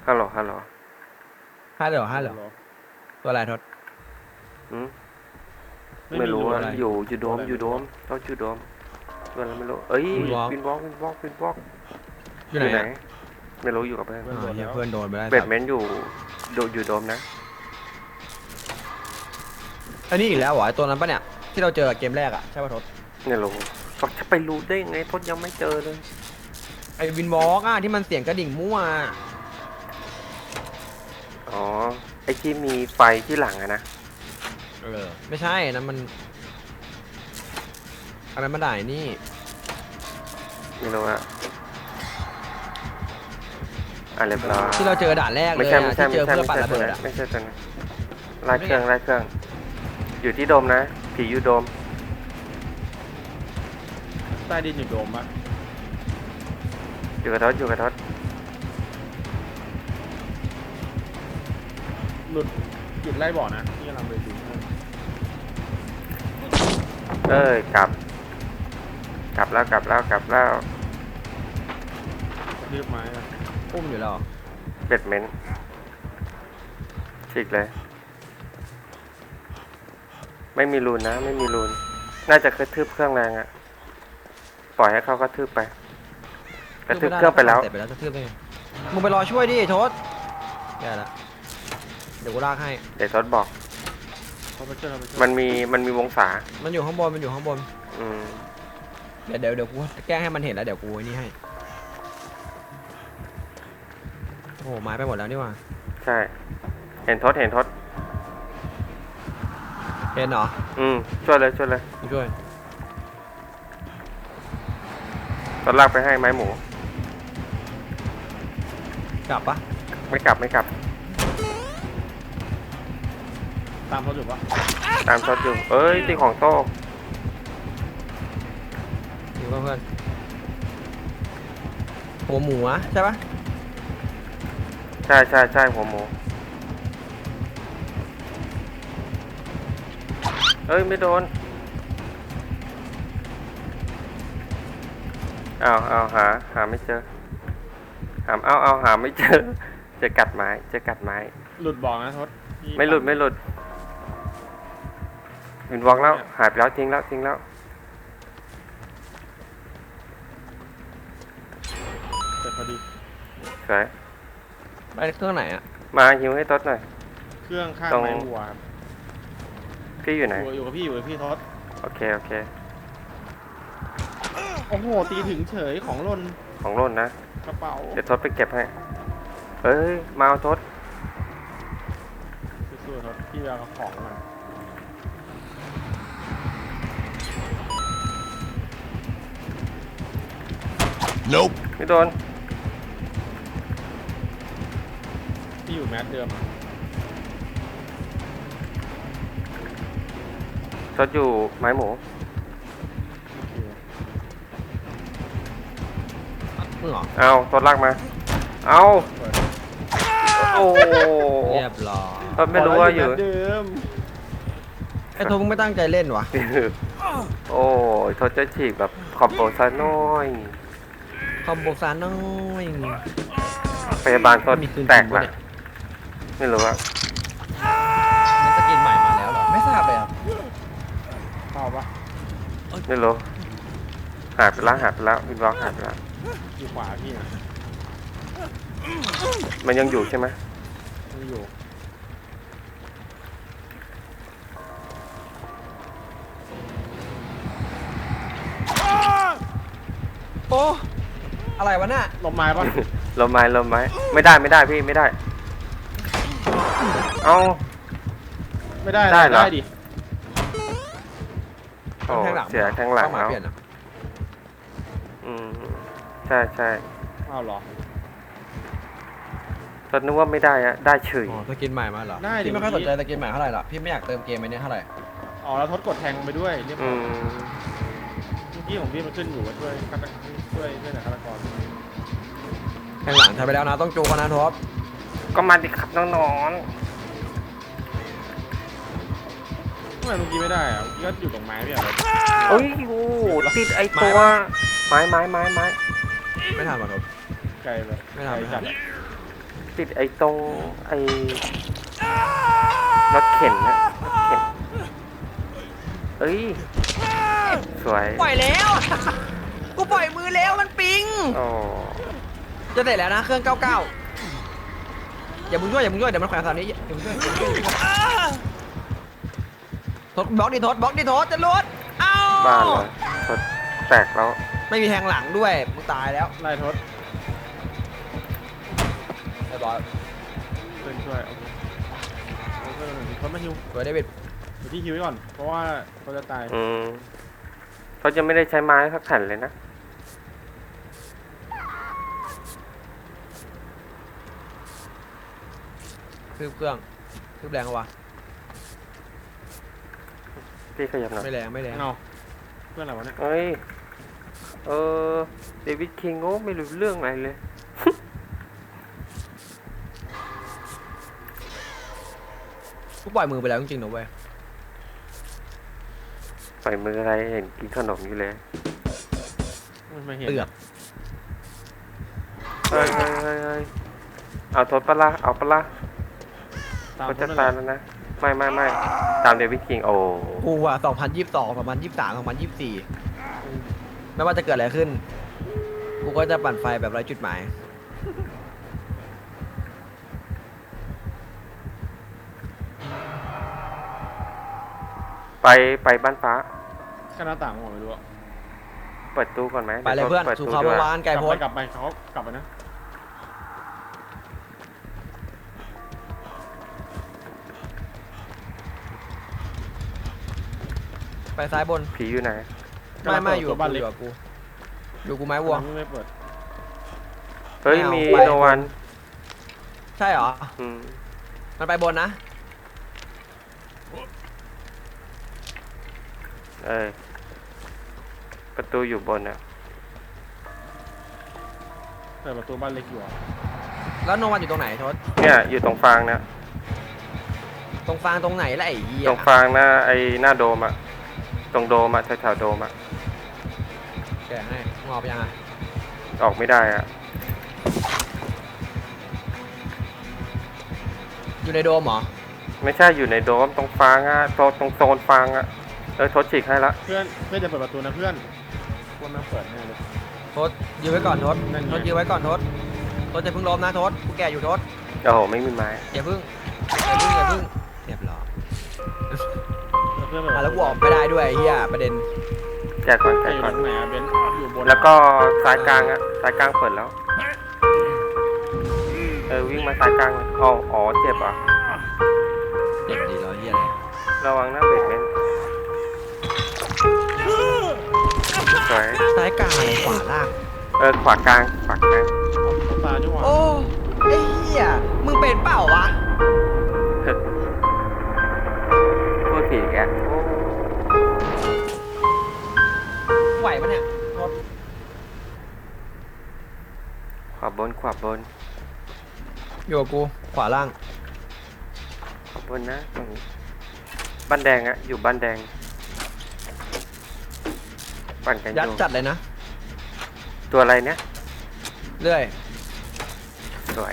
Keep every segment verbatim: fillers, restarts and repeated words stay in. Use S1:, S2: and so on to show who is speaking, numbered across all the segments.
S1: ฮัลโหลฮัลโหล
S2: ห้าเหรอห้าเหรอตัวอะไรทศ
S1: อืมไม่รู้อะอยู่อยู่โดมอยู่โดมเขาอยู่โดมตัวอะไรไม่รู้เอ้ยวินวอล์กวินวอล์กวินวอล์ก
S2: อยู่ไหน
S1: ไม่รู้อยู่กับเพื่อน
S2: อ่าเหี้ยเพื่อนโดนไปแล้ว
S1: เบดเมนต์อยู่โดอยู่โดมนะ
S2: อันนี้อีกแล้วเหรอไอตัวนั้นปะเนี่ยที่เราเจอเกมแรกอะใช่ป่ะทศ
S1: ไม่รู้ก็จะไปรู้ได้ไงทศยังไม่เจอเลย
S2: ไอวินวอล์กอะที่มันเสียงกระดิ่งมั่ว
S1: อ๋อไอที่มีไฟที่หลังอะนะ
S2: เออไม่ใช่นะมันอะไรมาได้นี่
S1: ไม่รู้อะอ่ะเรียบร้อย
S2: ที่เราเจอด่านแรกเล
S1: ไม่
S2: ย
S1: ใช่
S2: อะ
S1: ไม่ใช่
S2: ที่เจ
S1: ไม่
S2: อ
S1: ใช่
S2: เพื่อ
S1: ไม่
S2: ปั่น
S1: ใช่
S2: ระ
S1: ตัว
S2: เบิด
S1: นั้น
S2: อะ
S1: ไม่ใช่ตัวนั้นไล่เครื่องไล่เครื่องอยู่ที่โดมนะผีอยู่โดม
S3: ใต้ดินอยู่โดมปะ
S1: อยู่กับทศอยู่กับทศ
S3: หลุดหยุดไล่บ่อนะที่กำลังไปดู
S1: เอ้ยกลับ กลับแล้วกลับแล้วกลับแล้ว
S3: รีบไม้อะ
S2: อุ้มอยู่แล้ว
S1: เบดเมนต์ฉีกเลย ไม่มีรูนนะ ไม่มีรูนน่าจะกระทืบเครื่องแรงอะปล่อยให้เขากระทืบไปกระทืบเครื่องไปแล้ว
S2: เสร็จไปแล้วจะทืบได้ไงมึงไปรอช่วยดิทศแย่ละเดี๋ยวกูลากให้
S1: เดี๋ยวทศบอก
S3: เขาไปช่วยเขาไปช่วย
S1: มันมีมันมีวงศา
S2: มันอยู่ข้างบนมันอยู่ข้างบน
S1: อืม
S2: เดี๋ยวเดี๋ยวเดี๋ยวกูแก้ให้มันเห็นแล้วเดี๋ยวกูไอ้นี่ให้โอ้โหไม้ไปหมดแล้วนี่หว่า
S1: ใช่ เห็นทศเห็นทศ
S2: เห็นเหรอ
S1: อืมช่วยเลยช่วยเลย
S2: กูช่วย
S1: ทศลากไปให้ไม้หมู
S2: กลับปะ
S1: ไม่กลับไม่กลับ
S3: ตามเขาอยู่ปะ
S1: ตามทศอยู่เอ้ยตีของโต้
S2: อยู่กับเพื่อนหัวหมูอะใช่ปะ
S1: ใช่ใช่ใช่หัวหมูเอ้ยไม่โดนเอาเอาหาหาไม่เจอหาเอาเอาหาไม่เจอเจะกัดไม้เจะกัดไม้
S3: หลุดบ่อนะทศที่
S1: ไม่หลุดไม่หลุดวินวอล์กแล้วหายไปแล้วทิ้งแล้วทิ้งแล้ว
S3: เสร็จพอดี
S1: สวย
S2: ไปเครื่องไหนอะ
S1: มาฮิวให้ทศหน่อย
S3: เครื่องข้าง
S1: ตรง
S3: ไม้วัวครับ
S1: พี่อยู่ไหน
S3: อยู่อยู่กับพี่อยู่กับพี่ทศ
S1: โอเคโอเค
S3: โอ้โหตีถึงเฉยของหล่น
S1: ของร่นนะ
S3: กระเป๋า
S1: เดี๋ยวทศไปเก็บให้เอ้ยมาเอาทศ
S3: สู้ๆทศพี่เอาของมัน
S4: Nope.
S1: ไม่โดน
S3: พี่อยู่แมสเดิมอะ
S1: ทศอยู่ไม้หมู
S3: โอเค
S2: มึงเหรอ
S1: เอาทศลากมาเอา
S3: เปิด
S1: โอ้
S2: เรียบร้อย
S1: ทศไม่รู้ว่าอยู่
S3: แมสเดิม
S2: ไอ้ทศมึงไม่ตั้งใจเล่นวะ
S1: โอ้ยทศจะฉีกแบบขอบโบซะน้อย
S2: คอมโบซานน้อย
S1: พยาบาลทศ
S2: มีคืน
S1: แตก
S2: จริง
S1: ละ
S2: ปะเนี่ย
S1: ไม่รู้ว่า
S2: มันสกินใหม่มาแล้วเหรอไม่ทราบเลยอ่ะ
S3: เข้าปะ
S1: ไม่รู้หายไปแล้วหายไปแล้ววินวอล์กหายไปแล้ว
S3: อยู่ขวาพี่นะ
S1: มันยังอยู่ใช่ไหม
S3: ไม่อยู่
S2: โอ้อะไรวะน่ะ
S3: ลมไม้ปะ
S1: ลมไม้ลมไม้ไม่ได้ไม่ได้พี่ไม่ได้เอา
S3: ไม่ได้
S1: ได้เหรอ
S3: ได้ดิ
S1: โอ้
S2: แทงหลัง
S1: เสียแทงหลัง
S2: เข้ามา
S1: แล้ว
S2: เปลี่ยนอ่ะ
S1: อืมใช่ใช่
S3: อ้าวเหรอ
S1: ตอนนึกว่าไม่ได้อะได้เฉย
S2: อ๋อสกินใหม่มาเหรอ
S3: ได้ดิ
S2: พี่ไม่ค่อยสนใจสกินใหม่เท่าไหร่หรอกพี่ไม่อยากเติมเกมไปเนี่ยเท่าไหร่
S3: อ๋อแล้วทดกดแทงไปด้วยเรียบ
S1: อื
S3: ร้อย
S1: ม
S3: เมื่อกี้ของพี่มันขึ้นอยู่ว่าช่วยฆาตช่วยช่วยหน่อยฆาตกร
S2: แข่งหลังใช้ไปแล้วนะต้องจูกันนะทบ
S1: ก็มาดิครับน้อง
S3: ทำไมเมื่อกี้ไม่ได้อะเมื่อกี้ก็อยู่ตรงไม้พี่อะ
S1: ๆเอ้ยโอ้ติดไอตัวไม้ไม้ไม้ไม้
S2: ไม่ทันว่ะทบ
S3: ไกลเลย
S2: ไม่ทัน
S3: ไกล
S2: ไม่ทั
S3: จั
S2: น
S3: ดอะ
S1: ติดไอ้ตรงไอ้รถเข็นนะรถเข็นเอ้ยสวย
S2: ปล่อยแล้ว กูปล่อยมือแล้วมันปิง
S1: โอ้
S2: จะเสร็จแล้วนะเครื่องเก้าเก้าอย่ามึงช่วยอย่ามึงช่วยเดี๋ยวมันแขวนเสานี้อย่ามึงช่วยทดบล็อกดิทดบล็อกดิทดจะรุดเอ้า
S1: บ้านเลยรถแตกแล้ว
S2: ไม่มีแทงหลังด้วยมึงตายแล้ว
S3: ไล่ทศ
S2: เรียบร้อย
S3: เพื่อนช่วยโอเคโอเคทศมาฮิว
S2: สวยเดวิด
S3: เดี๋ยวที่ฮิวไว้ก่อนเพราะว่าเขาจะตาย
S1: อืมเขาจะไม่ได้ใช้ไม้สักแผ่นเลยนะ
S2: คืบเครื่องคืบแรงเอาวะ
S1: พี่ขยับหน่อย
S2: ไม่แรงไม่แรง
S3: เอาเพื่อนอะไรวะเนี่ย
S1: เอ้ยเออเดวิดคิงโง่ไม่รู้เรื่องอะไรเลย
S2: กูปล่อยมือไปแล้วจริงๆนะเว้ย
S1: ใส่มืออะไรเห็นกินขนมอยู่เลย
S3: ไม่เห็น
S2: เตือก
S1: เฮ้ยเฮ้ยเฮ้ยเฮ้ยเอาทดปะละเอาปะละ
S3: ตาม
S1: เขา
S3: ท
S1: จะ
S3: ศนั่น
S1: ตา
S3: แห
S1: ย
S3: ละ
S1: แล้วนะไม่ไม่ไม่ตามเดวิดคิงโอ้
S2: กูอ่ะสองพันยี่สิบสองสองพันยี่สิบสามสองพันยี่สิบสี่ไม่ว่าจะเกิดอะไรขึ้น กูก็จะปั่นไฟแบบไร้จุดหมาย
S1: ไปไปบ้านฟ้า
S3: แค่หน้าต่างผมไม่รู้อะ
S1: เปิดตู้ก่อนไหม
S2: ไปเลยเพื่อน
S1: ปิด
S2: สู่
S1: ตู้
S2: เขา
S1: ด้
S2: เมื่
S1: วย
S2: อวานไก่
S3: กลับ
S2: โพ
S3: ไป
S2: ส
S3: กลับไปเขากลับไปนะ
S2: ไปซ้ายบน
S1: ผีอยู่ไหน
S2: ไม่ไม่อยู่กับ
S3: บ้าน
S2: กูอ
S3: เล็ก
S2: ยู่กับกูอยู่กูไม้วัว
S3: ไม่เปิด
S1: เฮ้ย
S2: ไม่เอา
S1: มี
S2: ไป
S1: โนวัน
S2: ใช่เหรอ
S1: อืม
S2: มันไปบนนะ
S1: เอ้ยประตูอยู่บนอ่ะ
S3: เปิดประตูบ้านเล็กอยู่อะ
S2: แล้วโนวันอยู่ตรงไหนทศ
S1: เนี่ยอยู่ตรงฟางเนี่ย
S2: ตรงฟางตรงไหนล่ะไอ้เหี้ย
S1: ตรงฟางหน้าไอ้หน้าโดมอ่ะตรงโดมอ่ะแถวๆโดมอ่ะ
S2: แกะให้มึงออกไปยังอ่ะ
S1: ออกไม่ได้อ่ะ
S2: อยู่ในโดมเหรอ
S1: ไม่ใช่อยู่ในโดมตรงฟางอ่ะตรงตรงโซนฟางอ่ะเออทดฉีกให้ละ
S3: เพื่อนเพื่อนจะเปิดประตูนะเพื่อนว่าแม่งเปิดแน่เลย
S2: ทศยื้อไว้ก่อนทศ
S3: นั่นไง
S2: ทศยื้อไว้ก่อนทศทศจะเพิ่งล้มนะทศกูแก่อยู่ทศ
S1: โอ้โหไม่มีไม้
S2: อย่าเพิ่งอย่าเพิ่งอย่าเพิ่งเรียบร้อย
S3: เพื่อนเปิด
S2: อ่ะแล้วกูออกไม่ได้ด้วยไอ้เหี้ยประเด็น
S1: แจกก่อนแจ
S3: จะ
S1: ก
S3: อยู่
S1: ก่
S3: ต
S1: อน
S3: รงไหนอะเบนซ์อยู่บน
S1: แล้วก็ซ้ายกลางอ่ะซ้ายกลางเปิดแล้วเออวิ่งมาซ้ายกลางเลยอ๋ออ๋อเจ็บอ่ะ
S2: เจ็บดีแล้วเหี้ยอะไร
S1: ระวังนะเบรกเบนสวย
S2: ซ้ายกลางอะไรขวาล่าง
S1: เออขวากลางขวากลาง
S3: เอาตาจังหวะ
S2: โอ้ไอ้เหี้ยมึงเป็นเปล่าวะ
S1: พูดผิดแก
S2: ไหวปะเนี่ยทศ
S1: ขวาบนขวาบน
S2: อยู่กับกูขวาล่าง
S1: ขวาบนนะตรงนี้บ้านแดงอะอยู่บ้านแดงปั่นกันอ
S2: ยัด
S1: ยู่
S2: จัดเลยนะ
S1: ตัวอะไรเนี่ย
S2: เรื่อย
S1: สวย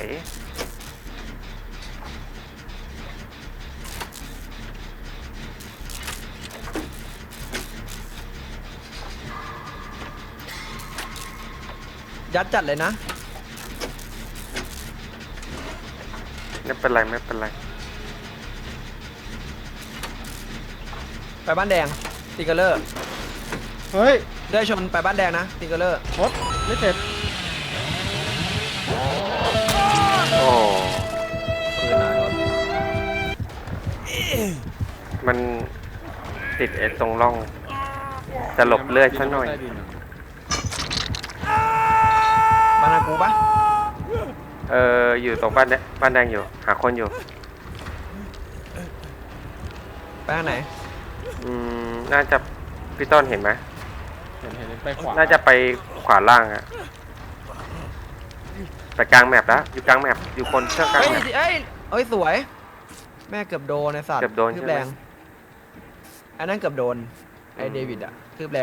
S2: ยัดจัดเลยนะ
S1: ไม่เป็นไรไม่เป็นไร
S2: ไปบ้านแดงติงเกอร์เลอร์
S3: เฮ้ย
S2: เลื่อยชนไปบ้านแดงนะติงเกอร์เลอร์
S3: ทศไม่เสร็จ
S1: โอ้
S2: คืนนะทศ
S1: มันติดไอ้ตรงร่อง จะหลบเลือดซะหน่อย
S3: ใต้ดิะ
S2: บ้านนากูปะ
S1: เอออยู่ตรงบ้านแดงบ้านแดงอยู่ หาคนอยู่
S2: ไปทางไหน
S1: อืมน่าจะพี่ต้นเห็นไหม
S3: เห็นเห็นเห็นไปขวา
S1: น่าจะไปขวาล่างอะไปกลางแมปแล้วอยู่กลางแมปอยู่คนเชื่อกลาง
S2: เฮ้ย
S1: แมป
S2: เอ้ยเอ้ยสวย แม่เกือบโดนไอ้สัตว์
S1: เกือบโดน
S2: คืบ
S1: ใช่ไหม
S2: แรงอันนั้นเกือบโดนไอ้
S1: อืม
S2: เดวิดอะคืบแรง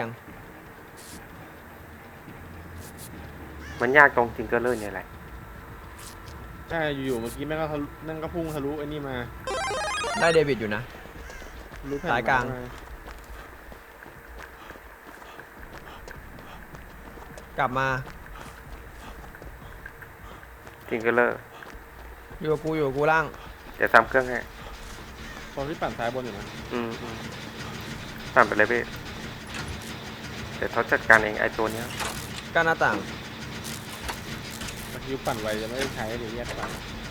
S1: มันยากตรงจิงเกอร์เลอร์เนี่ยแหละ
S3: ช่อยู่ๆเมื่อกี้แม่งก็ทะลุนั่งก็พุ่งทะลุไอ้นี่มา
S2: ได้เดวิดอยู่นะ
S3: ทะลุแผ่น
S2: สายกลาง
S3: ม
S2: กลับมา
S1: ทิงเกอร์เลอร์
S2: อยู่กับกูอยู่กับกูล่าง
S1: เดี๋ยวทำเครื่องให้
S3: ตอนที่ปั่นซ้ายบนอยู่นะ
S1: อืมอืมปั่นไปเลยพี่เดี๋ยวเขาจัดการเองไอ้ตัวเนี้ย
S2: กั้นหน้าต่าง
S3: เมื่อกี้ปั่นไวจะไม่ได้ใช้เดี๋ยวแยกปั่น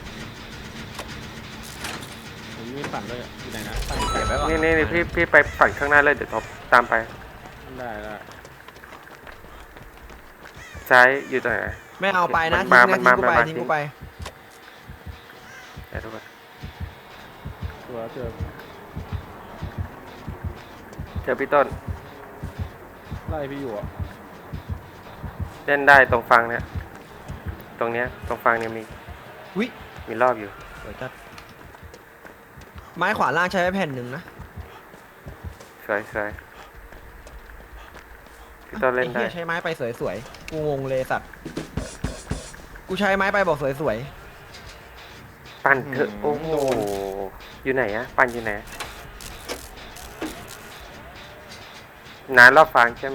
S3: ผมมีปั่นด้วยอยู่ไหนนะปั่น
S2: เก็บไว้ก่อน
S1: นี่นี่นี่พี่พี่ไปฝั่งข้างหน้าเลยเดี๋ยวท็อปตามไป
S3: ได้ได้
S1: ซ้ายอยู่ตรงไหน
S2: ไม่เอาไปนะ
S1: มั
S2: ทิ้
S1: น
S2: ง
S1: มา
S2: นะทิ้งกู
S1: มัน
S2: ไป
S1: มา
S2: ทิ้ง
S1: ทิ้ง
S2: กูไป
S1: เดี๋ยวทุกคน
S3: ตัวเจอ
S1: เจอพี่ต้น
S3: ไล่พี่อยู่อ่ะ
S1: เล่นได้ตรงฟังเนี่ยตรงเนี้ยตรงฟังเนี่ยมี
S2: วิ
S1: มีรอบอยู่
S2: เดี๋ยวจัดไม้ขวาล่างใช้ไว้แผ่นหนึ่งนะ
S1: สวยสวยพี่ต้นเล่น
S2: ไอ้
S1: ได้
S2: เหี้ยใช้ไม้ไปสวยๆ กูงงเลยสัตว์ กูใช้ไม้ไปบอกสวย
S1: ปั่นเถอะโอ้โหอยู่ไหนอะปั่นอยู่ไหนนานรอบฟังใช่ไหม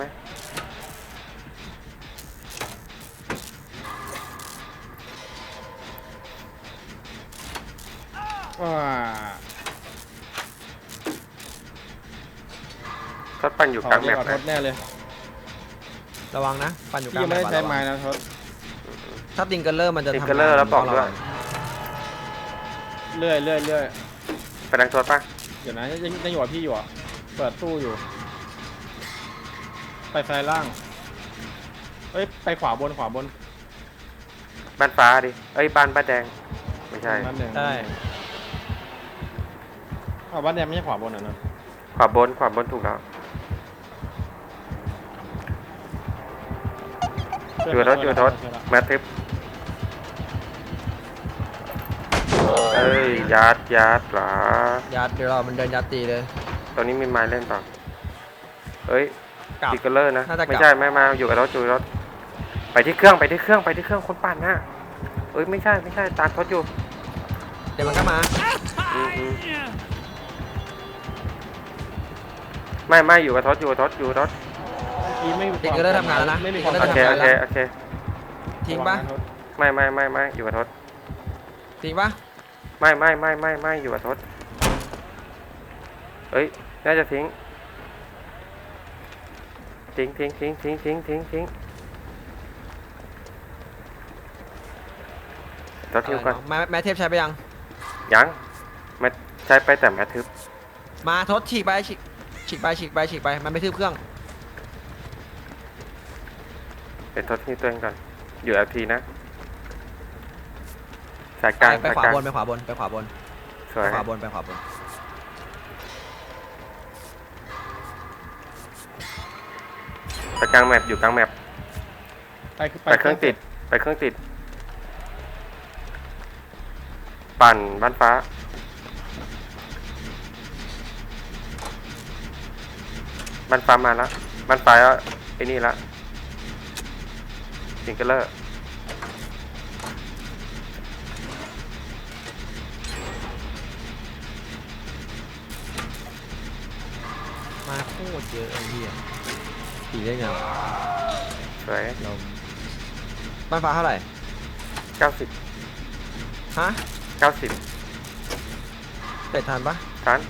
S3: ว้า
S1: ทดปั่นอยู่กลางแมป
S3: ท
S1: นะ
S3: ดแน่เลย
S2: ๆ ระวังนะ ปั่นอยู่ก
S3: พี่
S2: ลาง
S3: ยังไม่ได้
S2: แมป
S3: ใช้
S2: ระวั
S3: ไม้
S2: ง
S3: นะทด
S2: ถ้าติงเกอร์เลอร์มันจะ
S1: ติง
S2: ทำ
S1: เกอร์เลอร์แล้วบอกด้วย
S3: เรื่อยเรื่อยเรื่อย
S1: ไปดังทดปะ
S3: เดี๋ยวนะยังยังอยู่กับพี่อยู่อ่ะเปิดตู้อยู่ ไปซ้ายล่างเอ้ยไปขวาบนขวาบน
S1: บ้านฟ้าดิเอ้ยบ้านบ้านแดงไม่ใช่
S3: บ้านแดง
S2: ได้
S3: อ้าวบ้านแดงไม่ใช่ขวาบนเหรอเนอะ
S1: ขวาบนขวาบนถูกแล้วอยู่รถอยู่รถแมทริปเอ้ยยัดยัดเหรอ
S2: ยัดเดี๋ยวเรามันเดินยัดตีเลย
S1: ตอนนี้มีไม้เล่นเปล่าเอ้ย
S2: กลับ
S1: ติกเกอร์เลอร์นะ
S2: น่าจะกลับ
S1: ไม่ใช่ไม่มาอยู่กับรถอยู่กับรถไปที่เครื่องไปที่เครื่องไปที่เครื่องคนปั่นนะเอ้ยไม่ใช่ไม่ใช่ตามทดอยู่
S2: เดี๋ยวมันก็มา
S1: อืมอืมไม่ไม่อยู่กับทศอยู่กับทศอยู่กับทศ
S3: เมื่อกี้ไม่มี
S2: ติงเกอร์เลอร์ทำงานแล้วนะ
S3: ไม่มี
S2: ติง
S3: ค
S2: เกอ
S3: วาม
S2: ร์เลอร์
S1: โอ
S2: ทำ
S1: เค
S2: งาน
S1: โอ
S2: แล้ว
S1: เคโอเค
S2: ทิ้งปะ
S1: ไม่ไม่ไม่ไม่อยู่กับทศ
S2: ทิ้งปะ
S1: ไม่ไม่ไม่ไม่ไม่อยู่กับทศเอ้ยน่าจะทิ้งทิ้งทิ้งทิ้งทิ้งทิ้งทิ้งทิ้งทศทิ้งก่อน
S2: แม่แม่เทพใช้ไปยัง
S1: ยังไม่ใช้ไปแต่แมททึบ
S2: มาทดฉีกไปฉีกฉีกไปฉีกไปฉีกไป มันไม่ทึบเครื่อง
S1: เป็นทศที่ตัวเองก่อนอยู่เอลทีนะสายกลาง
S2: ไป
S1: สาย
S2: ขวาก
S1: ลาง
S2: บนไปขวาบนไปขวาบน
S1: ส
S2: ไป
S1: วย
S2: ขวาบนไปขวาบน
S1: ไปกลางแมปอยู่กลางแมป
S3: ไป
S1: ไปเครื่องติดไปเครื่องติด ปั่นบ้านฟ้าบ้านฟ้ามาแล้วบ้านฟ้าไอ้นี่ละสิงเกอร์เลอร์
S2: มาโคตรเยอะไอ้เหี้ยตีได้ไงวะ
S1: สวย
S2: เราบ้านฟ้าเท่าไหร่
S1: เก้าสิบ
S2: ฮะ
S1: เก้าสิบ
S2: เตะทันปะ
S1: ทัน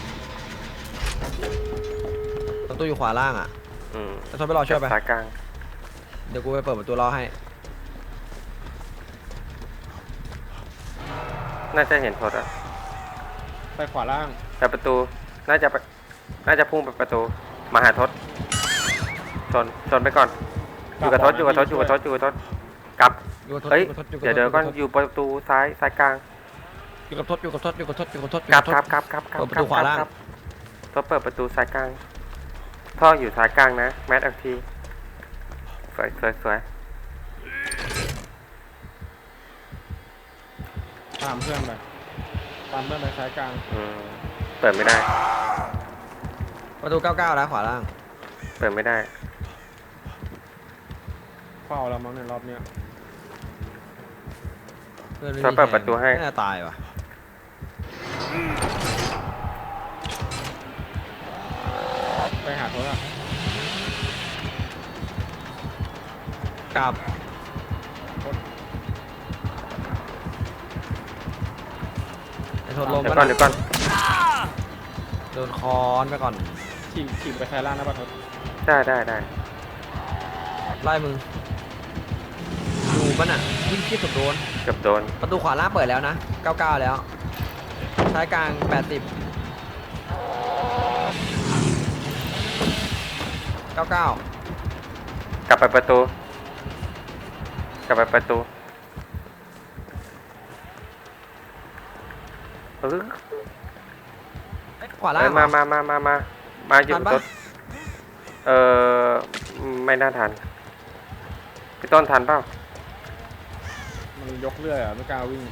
S2: ประตูอยู่ขวาล่างอ่ะ
S1: อืม
S2: จะทนไปรอช่วยไป
S1: สายกลาง
S2: เดี๋ยวกูไปเปิดประตูรอให้
S1: น่าจะเห็นโทษอะ
S3: ไปขวาล่าง
S1: แต่ประตูน่าจะไปน่าจะพุ่งไปประตูมาหาทศชนชนไปก่อนอยู่กับทศอยู่กับทศอยู่กับทศอยู่กับทศกลับ
S2: อยู่กับทศ
S1: เฮ้ย
S2: อยู่กับทศอยู่กับ
S1: เดี๋ยวเดี๋ยวก่อน
S2: ทศ
S1: อยู่ประตูซ้ายซ้ายกลาง
S2: อยู่กับทศอยู่กับทศอยู่กับทศอยู่กับทศอยู่
S1: กลั
S2: กั
S1: บบ
S2: ทศ
S1: กลับกลับกลับกลับ
S2: เปิดประตูขวาล่าง
S1: กลับทศเปิดประตูซ้ายกลางท่ออยู่ซ้ายกลางนะแมทอักทีสวยสวยสวย
S3: ตามเพื่อนไปตามเพื่อนไปซ้ายกลาง
S1: อืมเปิดไม่ได้
S2: ประตูเก้าเก้านะขวาล่าง
S1: เปิดไม่ได้
S3: เฝ้าแล้วมั้งในรอบเนี้ย
S2: พื่อนไม่
S1: ช่วย
S2: มี
S1: เปิด
S2: แทง
S1: ประตูให้
S2: น่าจะตายว่ะ
S3: ไปหาโทษอ่ะ
S2: กลับไอ้ทนลม
S1: เดี๋ยว
S2: ก็
S1: ก่อนเดี๋ยวก่อน
S2: โดนคอนไปก่อน
S3: ขี่ขี่ไปแคล่างนะป่ะทศ
S1: ได้ได้ได้
S2: ไล่มึงดูมันอ่ะวิ่งคิดสุดโดน
S1: เกือบโดน
S2: ประตูขวาล่างเปิดแล้วนะเก้าสิบเก้าแล้วซ้ายกลางแปดสิบ เก้าสิบเก้าก
S1: ลับไปประตู กลับไปประตูเออ
S2: ขวาล่าง
S1: เอ้ย
S2: เหร
S1: มา
S2: อ
S1: มามามามามาอยู่
S2: ทันปะ
S1: รถเออไม่น่าทันพี่ต้นทันเปล่า
S3: มันยกเรื่อยอ่ะไม่กล้าวิ่ง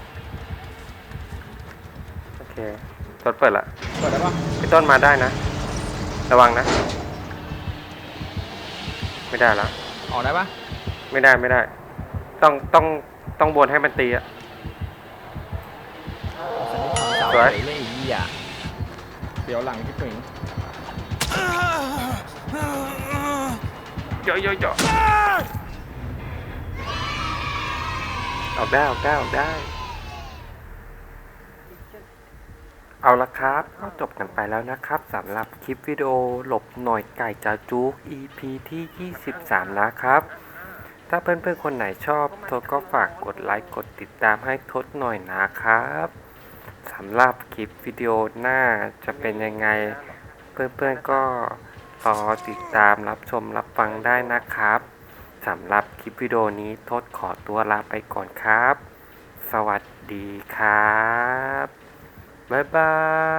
S1: โอเครถเปิดละ
S3: เปิดได้ปะ
S1: พี่ต้นมาได้นะ ระวังนะ ไม่ได้ละ
S2: ออกได้ปะ
S1: ไม่ได้ไม่ได้ ต้องต้องต้องบนให้มันตีอะ
S2: เสา
S1: สวย
S2: เฉยเลยไอ้เหี้ย
S3: เดี๋ยวหลังพี่ปิง
S1: เยอะเยอะเยอะออกได้ออกได้ออกได้ เอาละครับก็จบกันไปแล้วนะครับสำหรับคลิปวิดีโอหลบหน่อยไก่จาจุก อี พี ที่ ยี่สิบสาม นะครับ ถ้าเพื่อนๆคนไหนชอบทศก็ฝากกดไลค์กดติดตามให้ทศหน่อยนะครับสำหรับคลิปวิดีโอหน้าจะเป็นยังไง เพื่อนๆก็รอติดตามรับชมรับฟังได้นะครับสำหรับคลิปวิดีโอนี้ทศขอตัวลาไปก่อนครับ สวัสดีครับบ๊ายบาย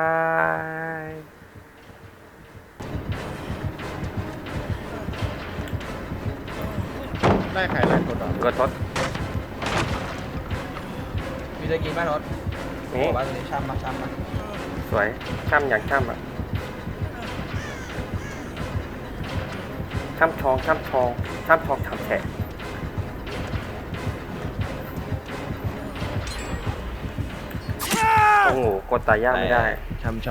S3: ได้ใครไล่กดอ่ะ
S1: กดทศ
S2: มีได้กินป่ะรถ
S1: นี่
S2: บอกว่าตัวนี้ช่ำมาช่ำมา
S1: สวยช่ำอย่างช่ำอ่ะช่ำชองช่ำชองช่ำชองช่ำแฉะโอ้โหกดตายยากไม่ได้
S2: ช่ำ